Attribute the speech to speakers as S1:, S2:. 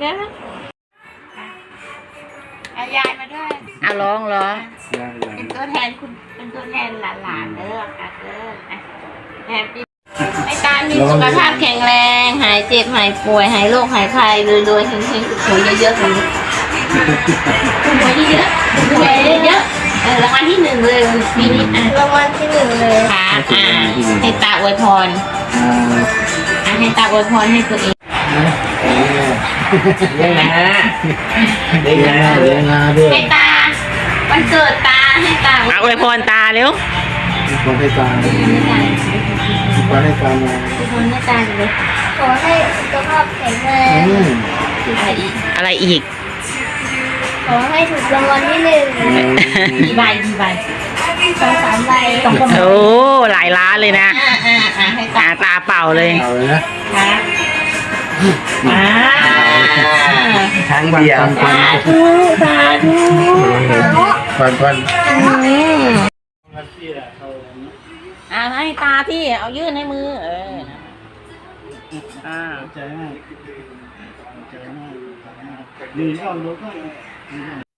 S1: เนี่ยเอายายมาด้วย
S2: ร้องเหรอ
S1: เป็นตัวแทนคุณเป็นตัวแทนหลานๆเด้อค่ะเด้อแฮปปี้ให้ตามีสุขภาพแข็งแรงหายเจ็บหายป่วยหายโรคหายภัยรวยๆเฮงๆถูกหวยเยอะๆเลยถูกหวยเยอะๆถูกหวยเยอะๆรางวัลที่ 1เลยปีนี้รางวัลที่ 1เลยค่ะให้ตาอวยพรให้ตาอวยพรให้ตัวเอง
S3: เลี้ยงนะเลี้ยงนะ
S1: ให้ตาวันเกิดตาให้ตา
S2: อวยพรตาเร็ว
S3: ขอให้ตาขอให้ตามา
S1: อวยพรให้ตาเลยขอให้สุขภาพแข็งแรง
S2: อะไรอีก
S1: ขอให้ถูกรางวัลที่ 1กี่ใบ2-3 ใบ
S2: โอ้หลายล้านเลยนะ
S1: ให้
S2: ตาเป่าเลย
S3: นะ
S2: ครั้งเดียว
S1: สาธุ
S3: ควัน
S2: ให้ตาที่เอายื่นให้มือ
S3: ใจมากดีชอบรู้ก็